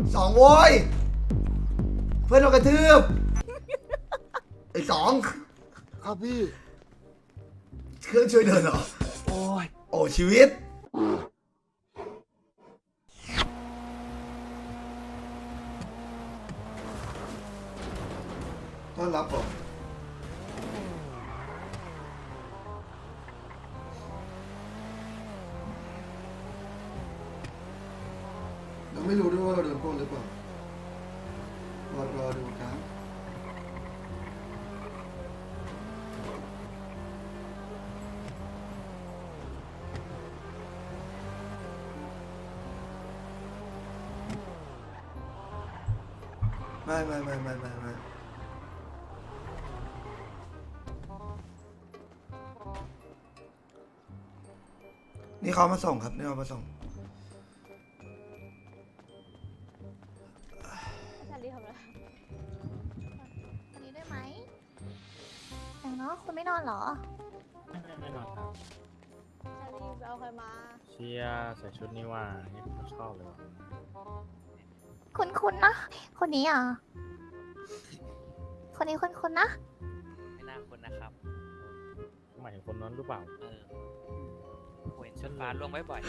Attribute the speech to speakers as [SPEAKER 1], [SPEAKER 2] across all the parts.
[SPEAKER 1] 2โว้ยเพื่อนโดนกระทืบไอ้2
[SPEAKER 2] ครับพี่
[SPEAKER 1] เครื่องช่วยเดินเหรอ
[SPEAKER 2] โอ้ย
[SPEAKER 1] โอ้ชีวิตต้อนรับผมเราไม่รู้ด้วยว่าเราโดนปล้นหรือเปล่ารอดูครับไม่นี่เขามาส่งครับนี่เขามาส่ง
[SPEAKER 3] ชาลีทำอะไรอันนี้ได้ไหมแต่เนาะคุณไม่นอนเหรอ
[SPEAKER 4] ไม่นอนครับ
[SPEAKER 3] ชาลีไปเอาใครมา
[SPEAKER 4] เชียร์ใส่ชุดนี้ว่านี่ผมชอบเลยว่ะ
[SPEAKER 3] คุณนะ คนนี้อ่ะ คนนี้คุณนะ
[SPEAKER 5] ไม่น่าคนนะครับ
[SPEAKER 4] หมายถึงคนนั้นหรือเปล่า
[SPEAKER 5] เห็นชุดฟ้าลงไว้บ่อย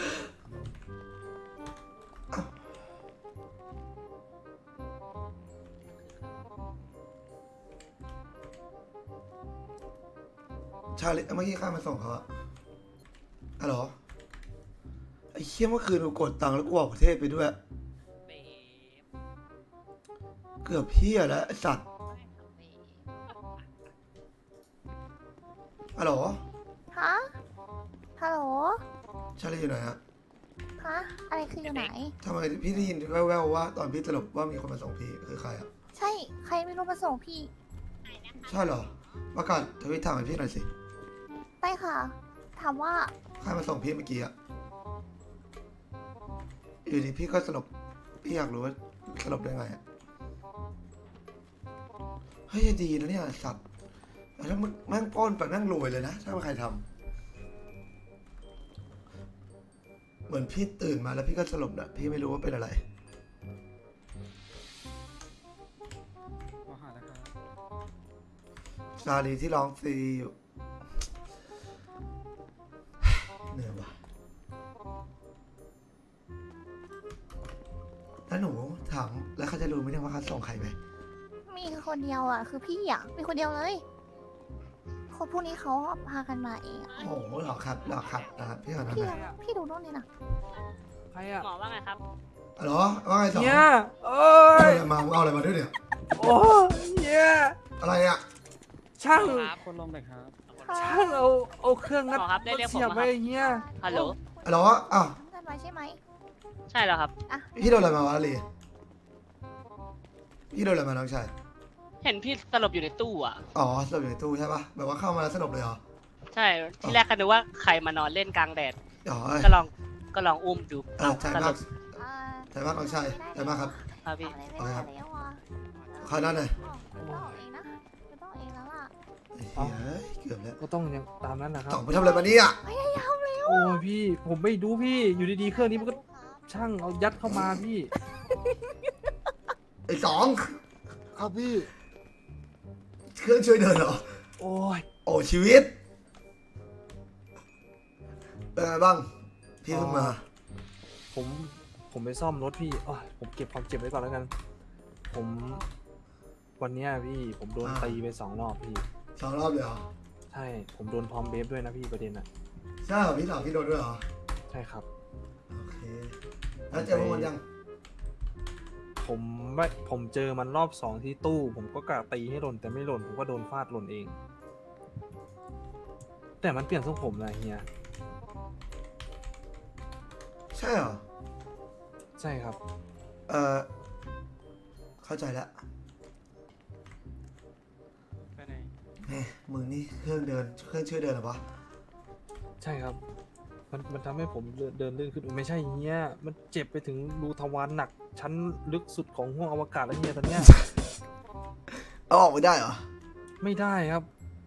[SPEAKER 1] ชาลิเมื่อกี้ข้ามาส่งเขาอะอ๋อเหรอไอ้เชี่ยเมื่อคืนกูกดตังค์แล้วกูออกประเทศไปด้วย
[SPEAKER 5] เบ
[SPEAKER 1] เกือบเพี้ยแล้วไอ้สัตว์อ๋อเหรอ
[SPEAKER 3] ฮะ ฮัลโหล
[SPEAKER 1] ชาลิอยู่ไหนฮะ
[SPEAKER 3] ฮะ อะไรคืออยู่ไหน
[SPEAKER 1] ทำไมพี่ได้ยินแว่วๆว่าตอนพี่สลบว่ามีคนมาส่งพี่คือใครอะ
[SPEAKER 3] ใช่ ใครไม่รู้มาส่งพี่
[SPEAKER 1] ใช่เหรอประกาศทวิตถามให้พี่หน่อยสิ
[SPEAKER 3] ได้ค่ะ ถามว่า
[SPEAKER 1] ใครมาส่งพี่เมื่อกี้อะอยู่ดีพี่ก็สลบพี่อยากรู้ว่าสลบได้ไงอะเฮ้ยดีนะเนี่ยสัตว์แล้วมึงแม่งป้อนไปแม่งรวยเลยนะถ้าใครทำเหมือนพี่ตื่นมาแล้วพี่ก็สลบนะพี่ไม่รู้ว่าเป็นอะไรซาลีที่ร้องฟรีอยู่เหนื่อยว่ะแล้วหนูถามแล้วเขาจะรู้ไหมเนี่ยว่าเขาส่งใครไป
[SPEAKER 3] มีคนเดียวอ่ะ คือพี่อ่ะ มีคนเดียวเลย คนพวกนี้เขาพากันมาเองอะ
[SPEAKER 1] โอ้โหหรอครับนะครับพี่ขอทำ
[SPEAKER 3] พี่
[SPEAKER 1] ไม
[SPEAKER 3] พี่ดูนู่นนี่นะ
[SPEAKER 2] ใครอ่ะ
[SPEAKER 5] หมอว่าไงครับ
[SPEAKER 1] อ๋อเหรอว่าไงสอง
[SPEAKER 2] เนี่ยโอ้
[SPEAKER 1] เอา
[SPEAKER 2] ย
[SPEAKER 1] อะไรมามึงเอาอะไรมาด้วยเนี่ย
[SPEAKER 2] โอ้ยเนี่ย
[SPEAKER 1] อะไรอ่ะ
[SPEAKER 2] ช่าง
[SPEAKER 5] ครับ
[SPEAKER 4] คนลงเลยครับ
[SPEAKER 2] ช่างเอาเครื่องงัด
[SPEAKER 5] หมอครับได้เรียกผม
[SPEAKER 2] เสียบ
[SPEAKER 5] มา
[SPEAKER 2] ไว้
[SPEAKER 5] ครับ
[SPEAKER 2] อย่างเงี้ย
[SPEAKER 5] ฮัลโหล
[SPEAKER 1] อ๋อเหรออ้าว
[SPEAKER 3] ทำกันไว้ใช่ไหม
[SPEAKER 5] ใช่แล้วครับ
[SPEAKER 3] อ่ะ
[SPEAKER 1] พี่โดนอะไรมาวะลีพี่โดนอะไรมาน้องชาย
[SPEAKER 5] เห็นพี่สลบอยู่ในตู้อ่ะ
[SPEAKER 1] อ๋อสลบอยู่ในตู้ใช่ปะแบบว่าเข้ามาแล้วสลบเลยเหรอ
[SPEAKER 5] ใช่ ที่แรกก็นึกว่าใครมานอนเล่นกลางแดด
[SPEAKER 1] อ๋อ
[SPEAKER 5] ก็ลองอุ้มดู
[SPEAKER 1] ใจ
[SPEAKER 5] ส
[SPEAKER 1] มา
[SPEAKER 5] ล
[SPEAKER 1] ก
[SPEAKER 5] บ
[SPEAKER 3] อ่า
[SPEAKER 1] ใจมากน้องชายใจมากครับ
[SPEAKER 5] ครับพี่
[SPEAKER 3] เอาอะไรไม่ได้แล้วอ่ะ
[SPEAKER 1] ขอด้านหน่อย
[SPEAKER 3] ไม่ต้องเองนะไม่ต้องเองแล้วล่ะ
[SPEAKER 1] ไอ้เหี้ยเกือบแล้ว
[SPEAKER 2] ก็ต้องยังตามนั้นนะครับ
[SPEAKER 1] ต่องไปทำอะไรมาเนี่ย
[SPEAKER 3] พยายามเลย
[SPEAKER 2] โอ้ยพี่ผมไม่รู้พี่อยู่ดีๆเครื่องนี้มันก็ช่างเอายัดเข้ามาพี่
[SPEAKER 1] ไอ้สอง
[SPEAKER 2] ครับพี่
[SPEAKER 1] เครื่องช่วยเดินเหรอ
[SPEAKER 2] โอ้ย
[SPEAKER 1] โอ้ชีวิตเป็นไงบ้างพี่เพิ่งมา
[SPEAKER 2] ผมไปซ่อมรถพี่โอ้ยผมเก็บความเจ็บไว้ก่อนแล้วกัน ผมวันเนี้ยพี่ผมโดนตีไป2 รอบพี่
[SPEAKER 1] 2 รอบเลยเหรอ
[SPEAKER 2] ใช่ผมโดนพร้อมเบฟด้วยนะพี่ประเด็นอ่ะ
[SPEAKER 1] ใช่เหรอพี่สาวพี่โดนด้วยเหรอ
[SPEAKER 2] ใช่ครับ
[SPEAKER 1] โอเคแล้วเจอพวกมันยัง
[SPEAKER 2] ผมเจอมันรอบ 2ที่ตู้ ผมก็กะตีให้หล่นแต่ไม่หล่นผมก็โดนฟาดหล่นเอง แต่มันเปลี่ยนทรงผมนะเฮีย
[SPEAKER 1] ใช่เหรอ
[SPEAKER 2] ใช่ครับ
[SPEAKER 1] เออเข้าใจแล้ว
[SPEAKER 5] ไปไหน
[SPEAKER 1] แหมมึงนี่เครื่องช่วยเดินเหรอวะ
[SPEAKER 2] ใช่ครับ มันทำให้ผมเดินลื่นขึ้นไม่ใช่เฮียมันเจ็บไปถึงรูทวารหนักชั้นลึกสุดของห้วงอวกาศแล้วเฮียตอนเนี้ย
[SPEAKER 1] เอาออกไม่ได้เหรอ
[SPEAKER 2] ไม่ได้ครับ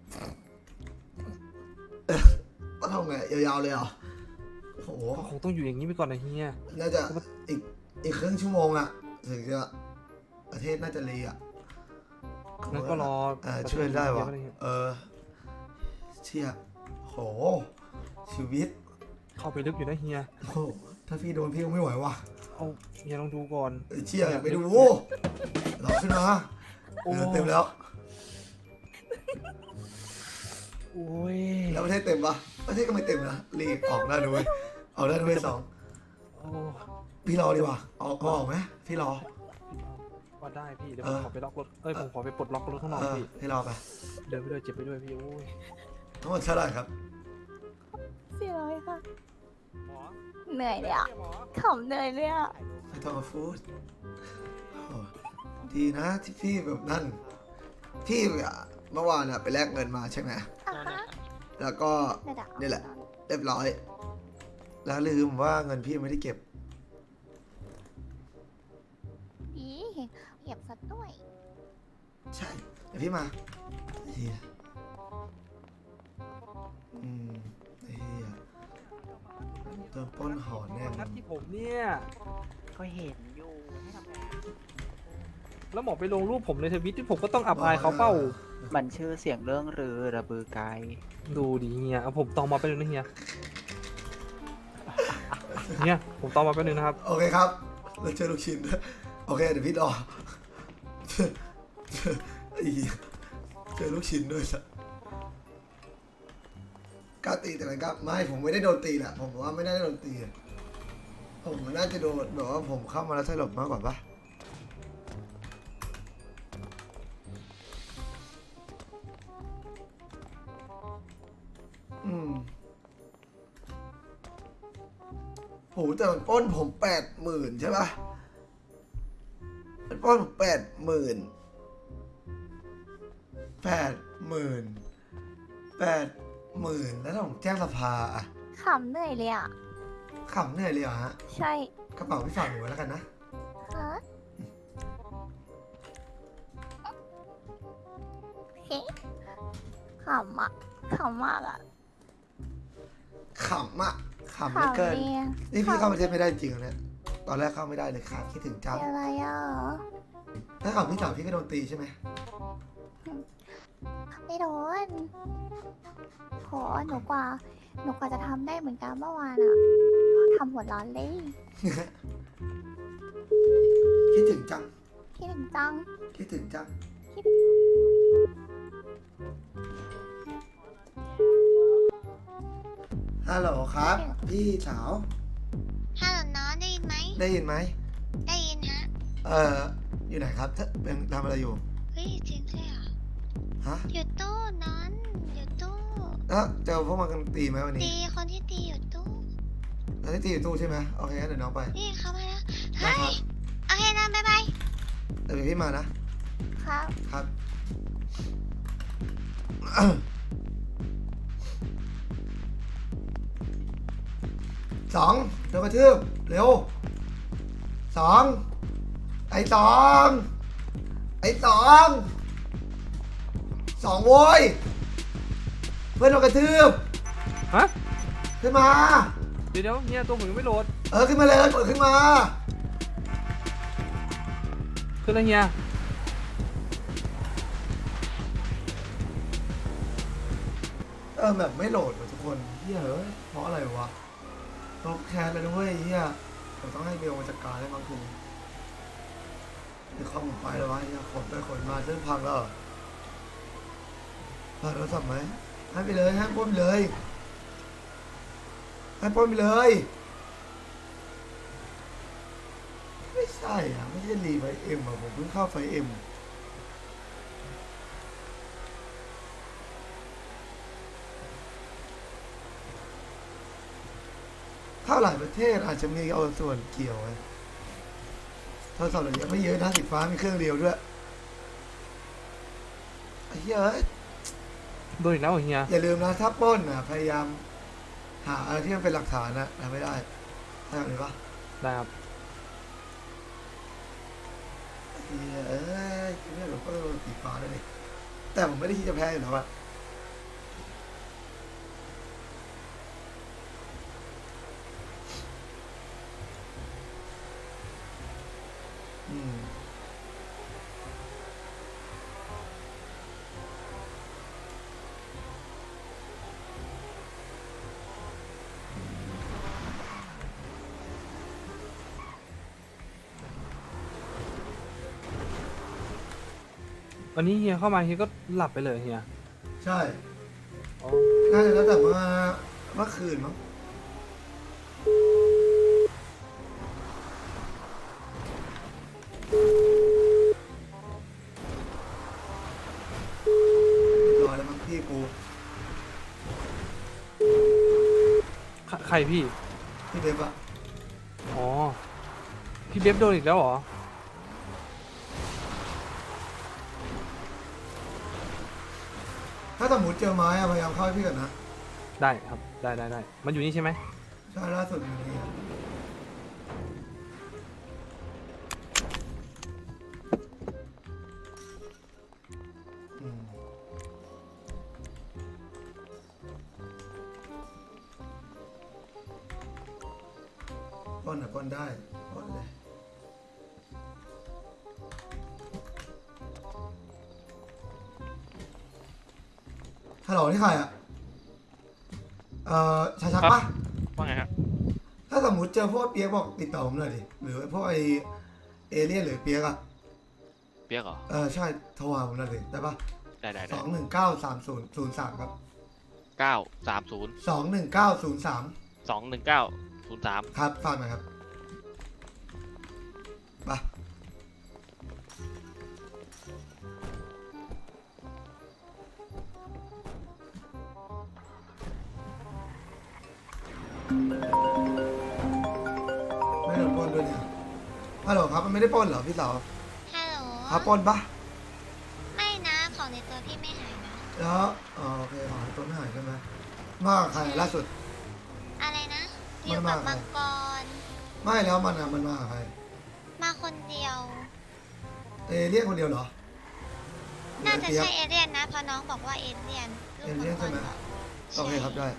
[SPEAKER 1] ต้องทำไงยาวๆเลยเหรอโอ้โห
[SPEAKER 2] ก็คงต้องอยู่อย่างนี้ไปก่อนนะเฮีย
[SPEAKER 1] น่าจะอีกครึ่งชั่วโมงอะถึงจะประเทศน่าจะรีอ่ะ
[SPEAKER 2] งั้นก็รอ
[SPEAKER 1] ช่วยได้วะ
[SPEAKER 2] เยวก็เฮีย
[SPEAKER 1] เชี่ยโหชีวิต
[SPEAKER 2] เข้าไปลึกอยู่นะเฮีย
[SPEAKER 1] โอ้ถ้าพี่โดนพี่ก็ไม่ไหวว่ะ
[SPEAKER 2] เอาเฮียลองดูก่อน
[SPEAKER 1] เชี่ยไปดูหลอกขึ้นมา
[SPEAKER 2] โอ้
[SPEAKER 1] เต็มแล้ว
[SPEAKER 2] โอ้ย
[SPEAKER 1] แล้วประเทศเต็มปะประเทศก็ไม่เต็มนะรีบออกได้ด้วยออกได้ด้วยสอง
[SPEAKER 2] โอ้
[SPEAKER 1] พี่รอดีกว่าออกไหมพี่รอ
[SPEAKER 2] ว่าได้พี่เดี๋ยวผมขอไปล็อกรถผมขอไปปลดล็อกรถข้างนอกพี่
[SPEAKER 1] พี่รอไป
[SPEAKER 2] เดินไปด้วยเจ็บไปด้วยพี่โอ้ย
[SPEAKER 1] ทั้งหมดเท่าไหร่ครับ
[SPEAKER 3] 400 ค่ะ
[SPEAKER 2] หมอ
[SPEAKER 3] เหนื่อยเลยอ่ะ
[SPEAKER 2] หมอ
[SPEAKER 3] ขำเหนื่อยเลยอ่ะ
[SPEAKER 1] ไม่ต้องมาพูดโอ้ดีนะที่พี่แบบนั่น พี่เมื่อวานไปแลกเงินมาใช่ไหม
[SPEAKER 3] อ่ะฮะ
[SPEAKER 1] แล้วก็ นี่แหละ เรียบร้อย แล้วลืมว่าเงินพี่ไม่ได้เก็บ
[SPEAKER 3] ดีเหยียบซะด้วย
[SPEAKER 1] ใช่ เดี๋ยวพี่มาเฮียเฮียโดนปล้นหอนแน่
[SPEAKER 2] นัดที่ผมเนี่ย
[SPEAKER 5] ก็เห็นอยู่ให้ทำไง
[SPEAKER 2] แล้วหมอไปลงรูปผมในทวิตที่ผมก็ต้องอับอายเขาเป้า
[SPEAKER 6] มันชื่อเสียงเรื่องรือระบือไกล
[SPEAKER 2] ดูดิเฮียเอาผมตองมาไปบนึงนะเฮียเฮียผมตองมาไปบนึงนะครับ
[SPEAKER 1] โอเคครับเราเจอลูกชิ้นด้วยโอเคเดี๋ยวพี่รอไอ้เหี้ยเจอลูกชิ้นด้วยสัสกล้าตีแต่ไหนครับไม่ผมไม่ได้โดนตีแหละผมว่าไม่ได้โดนตีอะผมน่าจะโดนแบบว่าผมเข้ามาแล้วสลบมากกว่าปะโหแต่มันปล้นผม80,000ใช่ปะมันปล้นผม80,000แล้วถ้าผมแจ้งสภาอะ
[SPEAKER 3] ขำเหนื่อยเลยอ่ะ
[SPEAKER 1] ขำเหนื่อยเลยเหรอฮะ
[SPEAKER 3] ใช่
[SPEAKER 1] กระเป๋าพี่ฝากหนูไว้แล้วกันนะ
[SPEAKER 3] ฮะเฮ้ขำอ่ะขำมากอ่ะ
[SPEAKER 1] ขำอะขำเหลือเกิน
[SPEAKER 3] เลยอะ
[SPEAKER 1] นี่พี่เข้าประเทศไม่ได้จริงเหรอเนี่ย ตอนแรกเข้าไม่ได้เลยค่ะคิดถึงจัง
[SPEAKER 3] เป็นอะไรอ่ะ
[SPEAKER 1] ถ้าขับพี่สาวพี่ก็โดนตีใช่ไหม
[SPEAKER 3] ไม่โดนโหหนูกว่าจะทำได้เหมือนกันเมื่อวานอ่ะทำหัวร้อนเลย
[SPEAKER 1] คิดถึงจัง
[SPEAKER 3] คิดถึงจัง
[SPEAKER 1] คิดถึงจัง ฮัลโหลครับ พี่สาว
[SPEAKER 7] ฮัลโหลน้องได้ยินไหม
[SPEAKER 1] ได้ยินไหม
[SPEAKER 7] ได้ยินฮะ
[SPEAKER 1] อยู่ไหนครับเป็นทำอะไรอยู่
[SPEAKER 7] เฮ้ยจริงใช่เหรอ
[SPEAKER 1] ฮะ
[SPEAKER 7] อยู่ตู้นอนอยู่ตู้
[SPEAKER 1] แล้วเจอพวกมันกันตีไหมวันนี้
[SPEAKER 7] ตีคนที่ตีอยู่ตู้
[SPEAKER 1] แล้วที่ตีอยู่ตู้ใช่ไหมโอเคงั้นเดี๋ยวน้องไป
[SPEAKER 7] นี่เขามาแล้ว
[SPEAKER 1] ได้
[SPEAKER 7] เฮ้ย
[SPEAKER 1] ครับ
[SPEAKER 7] โอเคนะบ๊ายบาย
[SPEAKER 1] เดี๋ยวพี่มานะ
[SPEAKER 3] ครับ
[SPEAKER 1] ครับ สองโดนกระทืบเร็วสองไอ้สองโว้ยเพื่อนโดนกระทืบ
[SPEAKER 2] ฮะ
[SPEAKER 1] ขึ้นมา
[SPEAKER 2] เดี๋ยวเฮียตัวผมยังไม่โหลด
[SPEAKER 1] ขึ้นมาเลยเปิดขึ้นมา
[SPEAKER 2] ขึ้นแล้วเฮีย
[SPEAKER 1] แบบไม่โหลดว่ะทุกคนเฮียเอ้ยเพราะอะไรวะลบแคสเลยด้วยเฮียเราต้องให้เบลมาจัดการได้บางคืนเดี๋ยวเข้าหมดไปแล้ววะเฮียขนไปขนมาเส้นพังแล้วเหรอโทรศัพท์ไหมให้ไปเลยให้ปล้นไปเลยให้ปล้นไปเลยไม่ใช่อ่ะไม่ใช่รีไฟเอ็มอ่ะผมเพิ่งเข้าไฟเอ็มถ้าหลายประเทศอาจจะมีเอาส่วนเกี่ยวไงโทรศัพท์เรายังไม่เยอะนะสีฟ้ามีเครื่องเดียวด้วยไอ้เหี้ยเอ้ย
[SPEAKER 2] โดนอีกแล้วเหรอเฮีย
[SPEAKER 1] อย่าลืมนะถ้าปล้นอ่ะพยายามหาอะไรที่มันเป็นหลักฐานนะทำไม่ได้ทำเลยปะ
[SPEAKER 2] ได้ครับ
[SPEAKER 1] เหี้ยเอ้ยคิดว่าเราก็โดนสีฟ้าได้เลยแต่ผมไม่ได้คิดจะแพ้อยู่แล้วอะ
[SPEAKER 2] วันนี้เฮียเข้ามาเฮียก็หลับไปเลยเฮีย
[SPEAKER 1] ใช่
[SPEAKER 2] อ๋อ
[SPEAKER 1] น่าจะตั้งแต่เมื่อคืนมั้งเรียบร้อยแล้วมั้งพี่กู
[SPEAKER 2] ใครพี่
[SPEAKER 1] พี่เบฟอะ
[SPEAKER 2] อ๋อ พี่เบฟโดนอีกแล้วเหรอ
[SPEAKER 1] ถ้าสมมติเจอไม้อะพยายามเข้าให้พี่ก่อนนะ
[SPEAKER 2] ได้ครับ ได้ได้ได้ มันอยู่นี่ใช่ไหม
[SPEAKER 1] ใช่ล่าสุดอยู่นี่อะอืมปล้นอะปล้นได้ปล้นเลยฮัลโหลนี่ใครอะชักปะ
[SPEAKER 4] ว่าไงครับ
[SPEAKER 1] ถ้าสมมติเจอพวกเปียกบอกติดต่อผมหน่อยดิ หรือพวกไอเอเลี่ยนหรือเปียกอะ
[SPEAKER 8] เปียกเหรอ
[SPEAKER 1] ใช่โทรหาผมหน่อยดิได้ปะ
[SPEAKER 8] ได้ได้
[SPEAKER 1] ส
[SPEAKER 8] ได้
[SPEAKER 1] องหนึ่งเก้าสามศูนย์ศูนย์สามครับ
[SPEAKER 8] 930
[SPEAKER 1] 21903
[SPEAKER 8] 21903
[SPEAKER 1] ครับฝากหน่อยครับไปไม่โดนปล้นด้วยเนี่ยฮัลโหลครับมันไม่ได้ปล้นเหรอพี่สาว
[SPEAKER 7] ฮัลโหล
[SPEAKER 1] ครับปล้นปะ
[SPEAKER 7] ไม่นะของในตัวพี่ไม่หายนะ
[SPEAKER 1] แล้วโอเคของต้นหายใช่ไหมมากับใครล่าสุด
[SPEAKER 7] อะไรนะ อ
[SPEAKER 1] มัน
[SPEAKER 7] ยู่
[SPEAKER 1] มา
[SPEAKER 7] กับมังกร
[SPEAKER 1] ไม่แล้วมันอะมันมากับใคร
[SPEAKER 7] มาคนเดียว
[SPEAKER 1] เรียกคนเดียวเหรอ
[SPEAKER 7] น่าจะ
[SPEAKER 1] เปียก
[SPEAKER 7] ใช่เอเลี่ยนนะเพราะน้องบอกว่าเอเลี่ยนลู
[SPEAKER 1] เอก เลี่ยน
[SPEAKER 7] มั
[SPEAKER 1] ใช่
[SPEAKER 7] ง
[SPEAKER 1] ไหม
[SPEAKER 7] กร
[SPEAKER 1] โอเคครับได้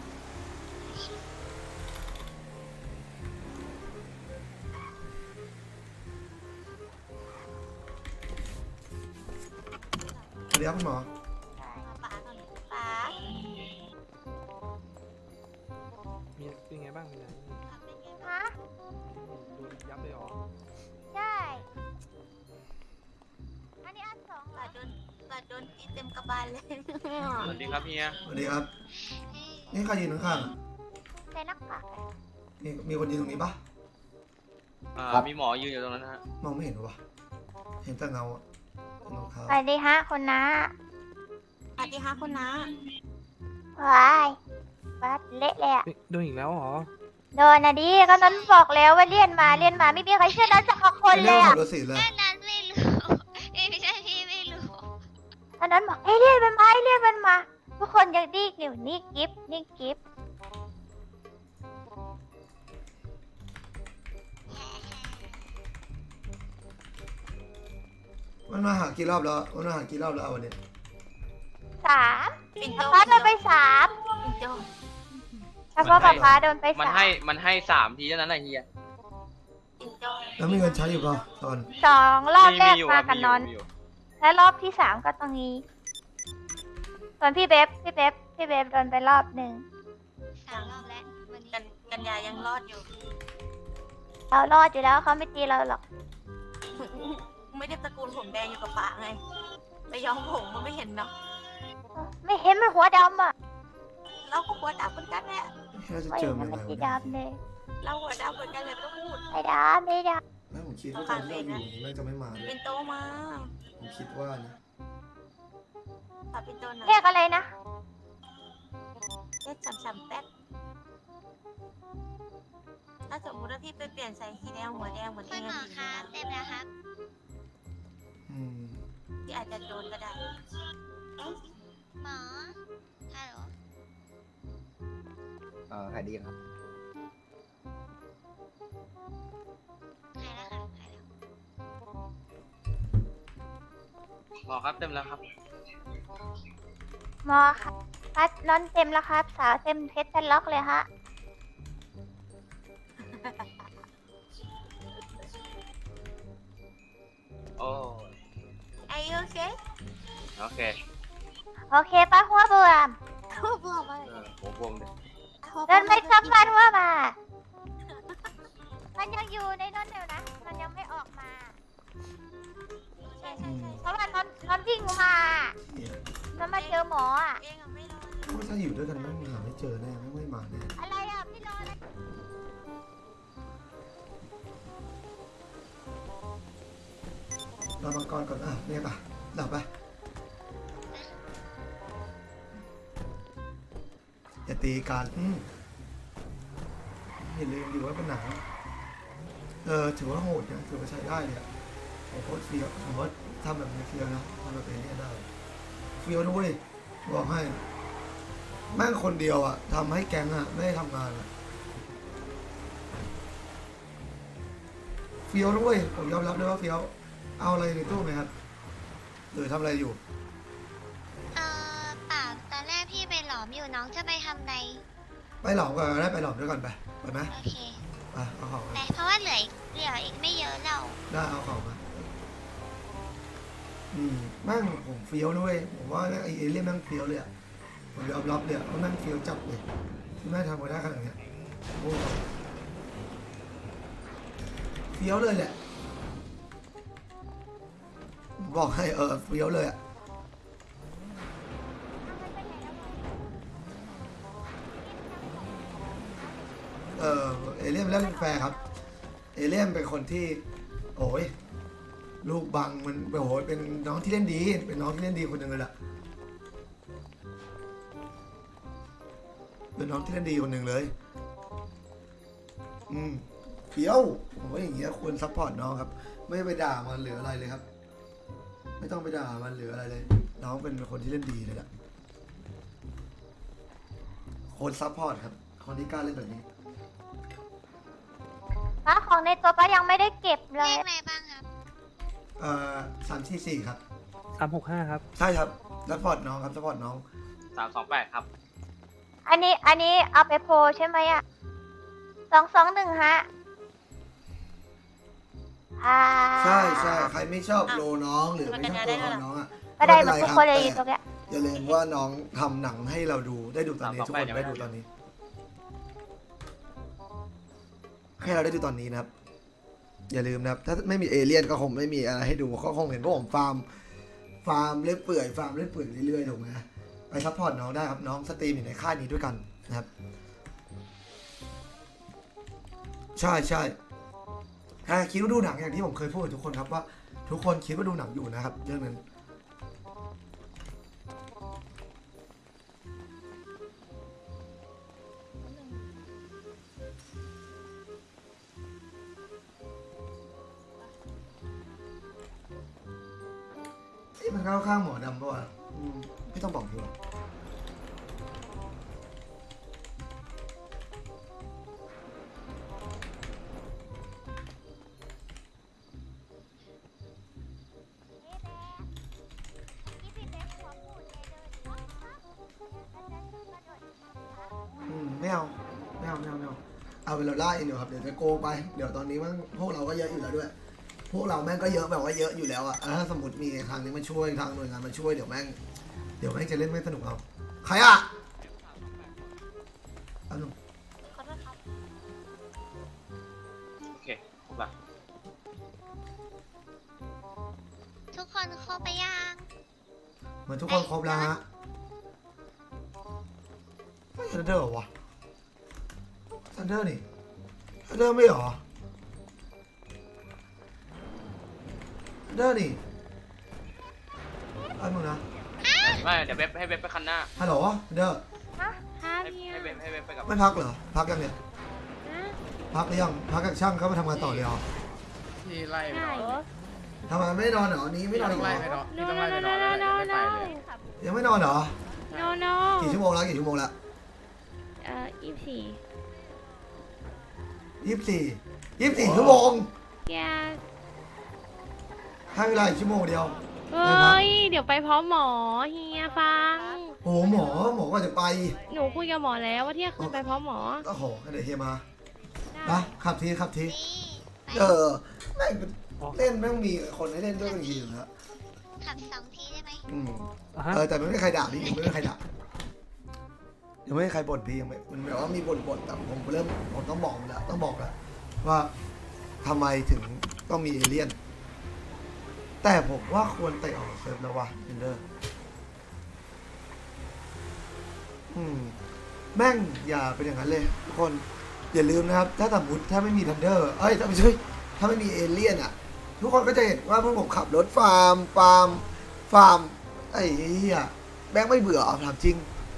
[SPEAKER 1] สวัสดีครับคุณหมอ
[SPEAKER 7] ป๋า
[SPEAKER 2] มีเป็นไงบ้างมีอะไร
[SPEAKER 3] ฮะ
[SPEAKER 2] โดนยับเลยเหรอ
[SPEAKER 3] ใช่ อันนี้อันสองเหรอ
[SPEAKER 7] โดนตีเต็มกระบาลเลย
[SPEAKER 8] สวัสดีครับเฮีย
[SPEAKER 1] สวัสดีครับ นี่ใครยืนข้างๆอะ
[SPEAKER 3] ใส่หน้ากาก
[SPEAKER 1] มีคนยืนตรงนี้ปะ
[SPEAKER 8] มีหมอยืนอยู่ตรงนั้นนะฮะ
[SPEAKER 1] มองไม่เห็นหรอวะเห็นแต่เงาอะเงาเท้า
[SPEAKER 3] สวัสดีฮะคุณน้า
[SPEAKER 7] สวัสดีค่ะคุณน้า
[SPEAKER 3] ว้ายวัดเละเลยอะ
[SPEAKER 2] เอ๊ะโดนอีกแล้วเหรอ
[SPEAKER 3] โดนนะดิก็นั้นบอกแล้วว่าเลี่ยนมาไม่มีใครเชื่อนั้นสักคน
[SPEAKER 1] ไม่
[SPEAKER 3] เล
[SPEAKER 1] ได้
[SPEAKER 3] ย
[SPEAKER 1] ขั
[SPEAKER 3] อะ
[SPEAKER 1] บรถสีเลย
[SPEAKER 7] แค่นั้นไม่รู้ไม่ใช่พี่ไม่รู้
[SPEAKER 3] ตอนนั้นบอกเอ้ยเลี่ยนมันมาเลี่ยนมันมา ทุกคนยังดีกอยู่นี่กิฟนี่กิฟ
[SPEAKER 1] มันมาหากี่รอบแล้วมันมาหากี่รอบแล้ววันนี้
[SPEAKER 3] 3ป๊าโดนไป3เฉพาะป๊าโดนไป
[SPEAKER 8] มันให้3ทีเท่านั้นแหละเฮีย
[SPEAKER 1] แล้วมีเงินใช้อยู่ป่ะตอน
[SPEAKER 3] 2 รอบแรก
[SPEAKER 8] อยู่
[SPEAKER 3] มา
[SPEAKER 8] ครับ
[SPEAKER 3] กับนอน
[SPEAKER 8] มีอยู่
[SPEAKER 3] และรอบที่ 3 ก็ตรงนี้ ส่วนพี่เบฟโดนไปรอบหนึ่ง
[SPEAKER 7] 3 รอบแล้ววันนี้
[SPEAKER 9] กันยายังรอดอยู่
[SPEAKER 3] เรารอดอยู่แล้วเขาไม่ตีเราหรอก
[SPEAKER 9] ไม่ได้ตระกูลผมแดงอยู่กับป๋าไงไปย้อมผมมันไม่เห็นเนาะ
[SPEAKER 3] ไม่เห็นมันหัวดำอ่ะ
[SPEAKER 9] เราก็หัวดำเหมือนกันแหละ
[SPEAKER 1] น่าจะ
[SPEAKER 3] ไม่
[SPEAKER 1] เจ
[SPEAKER 3] เห็
[SPEAKER 1] อน มั
[SPEAKER 3] มัน น
[SPEAKER 1] อะไร
[SPEAKER 3] สี
[SPEAKER 1] วะ
[SPEAKER 3] ดำเลย
[SPEAKER 9] เราหัวดำเหมือนกันเลยไม่ต้องพูด
[SPEAKER 3] ไม่ดำ
[SPEAKER 1] แล้วผมคิดว่าตอนที่เราอยู่น่าจะไม่มาเล
[SPEAKER 9] เป็
[SPEAKER 1] ย
[SPEAKER 9] นโตมา
[SPEAKER 1] ผมคิดว่านะ
[SPEAKER 9] ป๋าเป็นโตนะ
[SPEAKER 3] เรียกอะไรนะ
[SPEAKER 9] เรียกจำแป๊บถ้าสมมติว่าพี่ไปเปลี่ยนใส่สีแดงหัวแดงเหมือน
[SPEAKER 7] คุ
[SPEAKER 9] เอ
[SPEAKER 7] ณ
[SPEAKER 9] ง
[SPEAKER 7] หมอ
[SPEAKER 9] ดี
[SPEAKER 7] คะเต็มแล้วครับ
[SPEAKER 1] อืม
[SPEAKER 9] ที่อาจจะโดนก็ได้
[SPEAKER 7] หมอฮัลโหล
[SPEAKER 6] ใครดีครับ
[SPEAKER 7] หายแล้วค่ะหายแล้ว
[SPEAKER 8] หมอครับเต็มแล้วครับ
[SPEAKER 3] หมอครับพัดนอนเต็มแล้วครับ สาวเต็มเพชรเต็มล็อกเลยฮะ
[SPEAKER 8] โอ้
[SPEAKER 9] ไอ้โอเค
[SPEAKER 8] โอเค
[SPEAKER 3] โอเคป้าหัวบวม
[SPEAKER 9] ทั่วบัวไป
[SPEAKER 8] หัวบวมเลย
[SPEAKER 3] เดินไม่กลับบ้านหัวมา มันยังอยู่ในนั้นอยู่นะ มันยังไม่ออกมา
[SPEAKER 9] ใช่
[SPEAKER 1] อื
[SPEAKER 9] ใช่
[SPEAKER 1] ม
[SPEAKER 9] ใช่
[SPEAKER 3] เพราะว่านอนวิ่งมาหมออ่ะ
[SPEAKER 9] เองอะไม่รอ
[SPEAKER 1] ว่าถ้าอยู่ด้วยกันแม่งหาไม่เจอแน่แม่งไม่มาแน่
[SPEAKER 3] อะไรอ่ะพี่รออะไร
[SPEAKER 1] รอมังกรก่อนเนี่ยป่ะดับไปอย่าตีกันอย่าลืมดิว่าเป็นหนังถือว่าโหดนะถือว่าใช้ได้เลยโอ้โหเฟี้ยวผมว่าทำแบบนี้เฟี้ยวนะทำแบบนี้ได้เฟี้ยวด้วยบอกให้แม่งคนเดียวอ่ะทำให้แก๊งอ่ะไม่ได้ทำงานอ่ะเฟี้ยวด้วยผมยอมรับเลยว่าเฟี้ยวเอาอะไรในตู้ไหมครับหรือทำอะไรอยู่
[SPEAKER 7] เปล่าตอนแรกพี่ไปหลอมอยู่น้องจะไปทำอะไร
[SPEAKER 1] ไปหลอมก่อนได้ไปหลอมด้วยกันไปไหม
[SPEAKER 7] โอเค
[SPEAKER 1] ไปเอาของมา
[SPEAKER 7] แต่เพราะว่าเหลืออีกไม่เยอะเรา
[SPEAKER 1] ได้เอาของมาแม่งผมเฟี้ยวด้วยผมว่าไอ้เอเลี่ยนแม่งเฟี้ยวเลยอ่ะผมยอมรับเลยว่าแม่งเฟี้ยวจับเลยที่แม่งทำมาได้ขนาดเนี้ยโอ้เฟี้ยวเลยแหละบอกให้เฟี้ยวเลยอ่ะเอเลี่ยนเล่นแฟร์ครับเอเลี่ยนเป็นคนที่โอ้ยลูกบังมันโอ้โหเป็นน้องที่เล่นดีเป็นน้องที่เล่นดีคนหนึ่งเลยล่ะเป็นน้องที่เล่นดีคนหนึ่งเลยเฟี้ยวผมว่าอย่างเงี้ยควรซัพพอร์ตน้องครับไม่ไปด่ามันหรืออะไรเลยครับไม่ต้องไปด่ามันหรืออะไรเลยน้องเป็นคนที่เล่นดีเลยล่ะคนซัพพอร์ตครับคนที่กล้าเล่นแบบนี้
[SPEAKER 3] ป้าของในตัวป้ายังไม่ได้เก็บเล
[SPEAKER 7] เลย ขอะไรบ้างครับ
[SPEAKER 1] 344ครับ
[SPEAKER 2] 365 ครับ
[SPEAKER 1] ใช่ครับซัพพอร์ตน้องครับซัพพอร์ตน้อง
[SPEAKER 8] 328 ครับ
[SPEAKER 3] อันนี้เอาไปโพลใช่ไหมอ่ะ221ฮะ
[SPEAKER 1] ใช่ใครไม่ชอบโลน้องหรือไม่ชอบตัวของน้องอ่ะ
[SPEAKER 3] ก็ได้
[SPEAKER 1] ม่
[SPEAKER 3] แบ
[SPEAKER 1] เป็
[SPEAKER 3] บ
[SPEAKER 1] น
[SPEAKER 3] ทุก
[SPEAKER 1] ไร
[SPEAKER 3] คนเลย
[SPEAKER 1] รับ
[SPEAKER 3] อยู่ตรงเนี้ย
[SPEAKER 1] อย่าลืมว่าน้องทำหนังให้เราได้ดูตอนนี้
[SPEAKER 8] ต่อ
[SPEAKER 1] ทุก
[SPEAKER 8] ไป
[SPEAKER 1] คน
[SPEAKER 8] เดี๋ยว
[SPEAKER 1] ได้ดูตอนนี้ ให้เราได้ดูตอนนี้นะครับ อย่าลืมนะครับ ถ้าไม่มีเอเลี่ยนก็คงไม่มีอะไรให้ดูก็คงเห็นพวกผมฟาร์มเล่นเปื่อยเรื่อยๆถูกไหมไปซัพพอร์ตน้องได้ครับน้องสตรีมอยู่ในค่ายนี้ด้วยกันนะครับ ใช่ถ้าคิดว่าดูหนังอย่างที่ผมเคยพูดกับทุกคนครับว่าทุกคนคิดว่าดูหนังอยู่นะครับ เรื่องนั้นมันเข้าข้างหมอดำป่ะวะไม่ต้องบอกดีกว่าไม่เอาเอาเป็นเราล่าเองเดี๋ยวครับเดี๋ยวจะโกงไปเดี๋ยวตอนนี้มันพวกเราก็เยอะอยู่แล้วด้วยพวกเราแม่งก็เยอะแบบว่าเยอะอยู่แล้วอะถ้าสมมติมีทางนี้มาช่วยทางหน่วยงานมาช่วยเดี๋ยวแม่งจะเล่นไม่สนุกเอาใครอะเอาหนุ่ม
[SPEAKER 9] ขอโทษครับ
[SPEAKER 8] โอเคครบละ
[SPEAKER 7] ทุกคนครบไปยัง
[SPEAKER 1] เหมือนทุกคนครบแล้วฮะไม่ทันเดอร์เหรอวะทันเดอร์นี่ทันเดอร์ไม่เหรอทันเดอร์นี่ไอ้มึงนะ
[SPEAKER 8] ไม่เดี๋ยวเว็บให้เว็บไปคันหน้า
[SPEAKER 1] ฮัลโหลทันเดอร์
[SPEAKER 8] ให้เว็บไปกับ
[SPEAKER 1] ไม่พักเหรอพักยังเนี่ยพักหรือยังพักกับช่างเขามาทำงานต่อเลยเหรอ
[SPEAKER 4] ที่ไล่ไปนอน
[SPEAKER 1] ทำไมไม่นอนเหรอนี้ไม่นอนอีกเหรอ
[SPEAKER 4] ที่ต้องไล่ไปนอนแล้วไม่ไปเลย
[SPEAKER 1] ยังไม่นอนเหรอ
[SPEAKER 10] no
[SPEAKER 1] กี่ชั่วโมงแล้ว24 ชั่วโมง
[SPEAKER 10] แก
[SPEAKER 1] ให้เวลาอีกชั่วโมงเดียว
[SPEAKER 10] เอ้ย เดี๋ยวไปพร้อมหมอเฮียฟัง
[SPEAKER 1] โอ้โหหมอก็จะไป
[SPEAKER 10] หนูคุยกับหมอแล้วว่าเที่ยงคืนไปพร้อมหมอ
[SPEAKER 1] โอ้โหเดี๋ยวเฮียมานะขับที
[SPEAKER 7] นี่ไป
[SPEAKER 1] แม่งเล่นแม่งมีคนให้เล่นด้วยบางทีอยู่แล้ว
[SPEAKER 7] ขับ2 ทีได้ไหม
[SPEAKER 1] แต่ไม่มีใครด่าพี่ยังไม่มีใครด่ายังไม่มีใครบ่นพี่ยังไม่มันแบบว่ามีบ่นแต่ผมต้องบอกแล้วว่าทำไมถึงต้องมีเอเลี่ยน แต่ผมว่าควรเตะออกเซิร์ฟแล้ววะเอนเดอร์แม่งอย่าเป็นอย่างนั้นเลยทุกคนอย่าลืมนะครับถ้าสมมติถ้าไม่มีทันเดอร์ถ้าไม่ใช่ถ้าไม่มีเอเลี่ยนอ่ะทุกคนก็จะเห็นว่าพวกผมขับรถฟาร์มไอ้เหี้ยแม่งไม่เบื่อถามจริง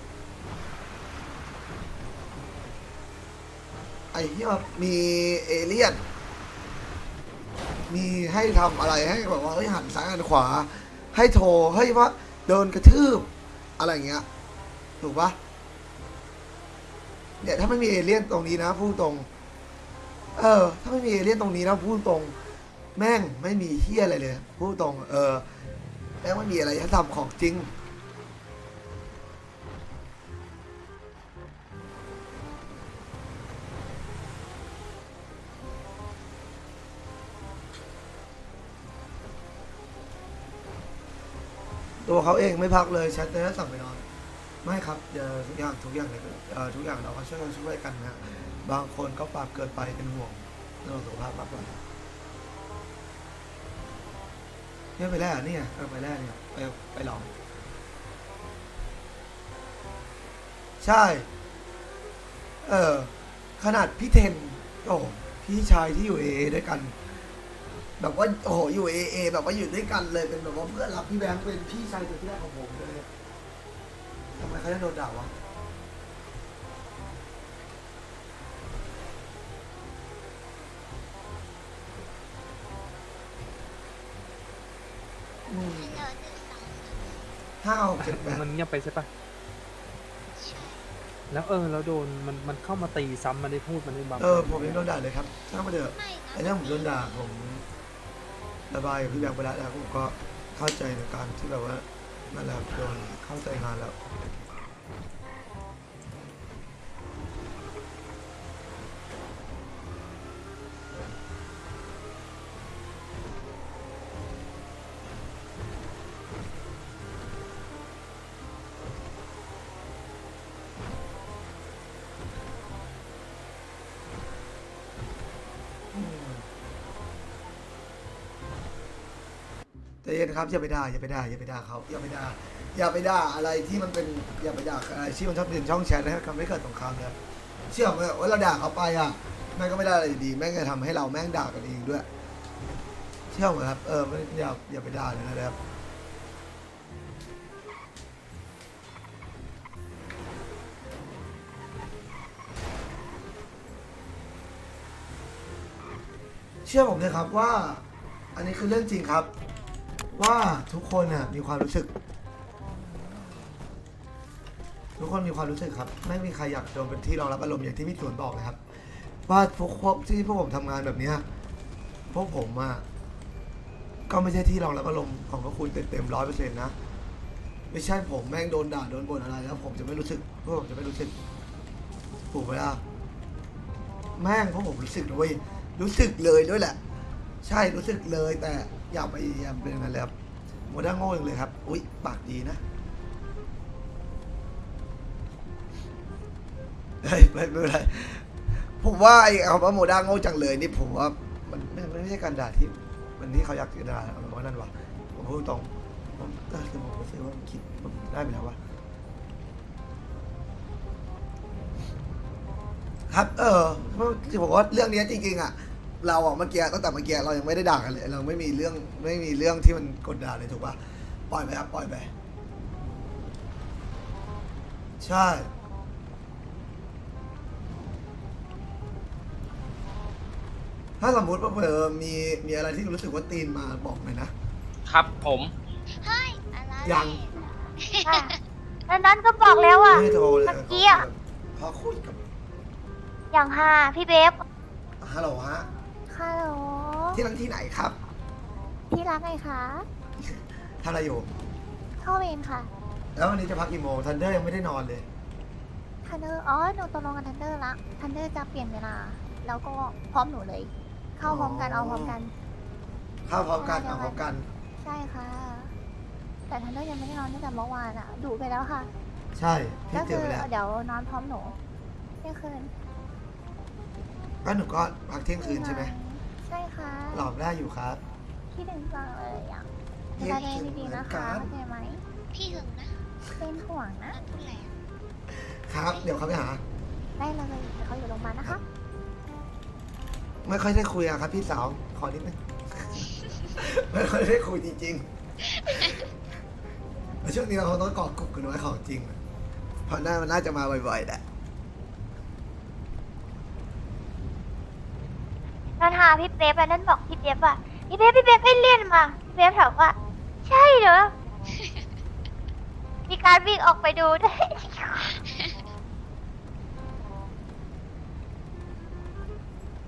[SPEAKER 1] ไอ้เหี้ยมีเอเลี่ยนมีให้ทำอะไรให้แบบว่าหันซ้ายหันขวาให้โทรให้ว่าโดนกระทืบอะไรอย่างเงี้ยถูกปะเนี่ยถ้าไม่มีเอเลี่ยนตรงนี้นะพูดตรงถ้าไม่มีเอเลี่ยนตรงนี้นะพูดตรงแม่งไม่มีเฮี้ยอะไรเลยพูดตรงแม่งไม่มีอะไรให้ทำของจริงตัวเขาเองไม่พักเลยแชทเลยสั่งไปนอนไม่ครับทุกอย่างเลยทุกอย่างเราก็ช่วยกันนะบางคนก็ปรับเกินไปเป็นห่วงเรื่องสุขภาพมากกว่าเนี่ยไปแรกนี่ไปแรกเนี่ยไปลองใช่ขนาดพี่เทนโอ้พี่ชายที่อยู่เอด้วยกันแบบว่าโอ้โหอยู่เอแบบว่าอยู่ด้วยกันเลยเป็นแบบว่าเพื่อนรักพี่แบงค์เป็นพี่ชายตัวที่แรกของผมเลยทำไมเขาจะโดนด่าวะ5 6 7 8
[SPEAKER 2] มันเงียบไปใช่ปะแล้วแล้วโดนมันเข้ามาตีซ้ำมันได้พูดมันได้บัง
[SPEAKER 1] ผมยังโดนด่าเลยครับถ้ามาเถอะไอ้ถ้าผมโดนด่าผมระบายกับพี่แบงค์ไปแล้วนะผมก็เข้าใจในการที่แบบว่านั่นแหละโดนเข้าใจงานแล้วแต่เย็นครับอย่าไปด่าเขาอย่าไปด่าอะไรที่มันเป็นอย่าไปด่าอะไรที่มันชอบเดินช่องแชทนะครับทำให้เกิดสงครามเลยเชื่อไหมว่าเราด่าเขาไปแม่งก็ไม่ได้อะไรดีแม่งจะทำให้เราแม่งด่ากันเองด้วยเชื่อไหมครับไม่อย่าไปด่าเลยนะครับเชื่อผมเลยครับว่าอันนี้คือเรื่องจริงครับว่าทุกคนมีความรู้สึกทุกคนมีความรู้สึกครับไม่มีใครอยากโดนเป็นที่รองรับอารมณ์อย่างที่พี่สวนบอกนะครับว่าพวกผมทำงานแบบนี้พวกผมก็ไม่ใช่ที่รองรับอารมณ์ของพวกคุณเต็ม100%นะไม่ใช่ผมแม่งโดนด่าโดนบ่นอะไรแล้วผมจะไม่รู้สึกพวกผมจะไม่รู้สึกถูกไหมล่ะแม่งพวกผมรู้สึกด้วยรู้สึกเลยด้วยแหละใช่รู้สึกเลยแต่อย่าไปเป็นอย่างนั้นเลยครับโมด้าโง่เลยครับอุ๊ยปากดีนะเฮ้ยไม่เป็นไรผมว่าไอ้คำว่าโมด้าโง่จังเลยนี่ผมว่ามันไม่ใช่การด่าที่มันที่เขาอยากจะด่าผมว่านั่นวะผมพูดตรงผมรู้สึกว่าคิดผมได้ไปแล้ววะครับที่ผมว่าเรื่องนี้จริงๆเราเมื่อกี้ตั้งแต่เมื่อกี้เรายังไม่ได้ด่ากันเลยเราไม่มีเรื่องที่มันกดด่าเลยถูกป่ะปล่อยไปครับปล่อยไปใช่ถ้าสมมติว่ามีอะไรที่รู้สึกว่าตีนมาบอกหน่อยนะครับ
[SPEAKER 8] ผม
[SPEAKER 7] เฮ้ย อะไร
[SPEAKER 1] ยัง
[SPEAKER 3] แล้วนั้นก็บอกแล้วอ่ะ
[SPEAKER 1] ไม่โทรเลย
[SPEAKER 3] เมื่อกี้
[SPEAKER 1] พอคุยกับ
[SPEAKER 3] อย่างพี่เบฟ
[SPEAKER 1] ฮัลโหลฮะ
[SPEAKER 3] ฮัลโหล
[SPEAKER 1] ที่นั่นที่ไหนครับ
[SPEAKER 3] ที่รักไงคะ
[SPEAKER 1] ทำอะไรอยู่
[SPEAKER 3] เข้าเวรค่ะ
[SPEAKER 1] แล้ววันนี้จะพักกี่โมงทันเดอร์ยังไม่ได้นอนเลย
[SPEAKER 3] ทันเดอร์หนูตกลงกับทันเดอร์ละทันเดอร์จะเปลี่ยนเวลาแล้วก็พร้อมหนูเลย เข้าพร้อมกันเอาพร้อมกัน
[SPEAKER 1] เข้าพร้อมกันเอาพร้อมกัน
[SPEAKER 3] ใช่ค่ะ แต่ทันเดอร์ยังไม่ได้นอนตั้งแต่เมื่อวานดุไปแล้วค่ะ
[SPEAKER 1] ใช่พี่
[SPEAKER 3] ก็
[SPEAKER 1] เจ
[SPEAKER 3] คือ อ
[SPEAKER 1] ไปแล้ว
[SPEAKER 3] เดี๋ยวนอนพร้อมหนูเที่ยงคืน
[SPEAKER 1] ก็หนูก็พักเที่ยงคืนใช่ไหม
[SPEAKER 3] ใช่ค่ะ
[SPEAKER 1] หลอมได้อยู่ครับ
[SPEAKER 3] คิดถึงจังเลยดูแลตัวเองดีๆนะคะเข้าใจไหม
[SPEAKER 7] พี่หึงนะ
[SPEAKER 3] เป็นห่วงนะ
[SPEAKER 7] พูดอะไร
[SPEAKER 1] ครับ เดี๋ยวเขาไปหา
[SPEAKER 3] ได้เลยเดี๋ยวเขาอยู่โรงพยาบาลนะคะ
[SPEAKER 1] ไม่ค่อยได้คุยอะครับพี่สาว ขอนิดนึง ไม่ค่อยได้คุยจริงๆแล้วช่วงนี้เราคงต้องเกาะกลุ่มกันไว้ของจริงเพราะมันน่าจะมาบ่อยๆแหละ
[SPEAKER 3] นั่นหาพี่เป๊ปนั่นบอกพี่เป๊ปว่าพี่เป๊ปให้เลี่ยนมาพี่เป๊ปถามว่า ใช่เหรอ มีการวิ่งออกไปดูด้วย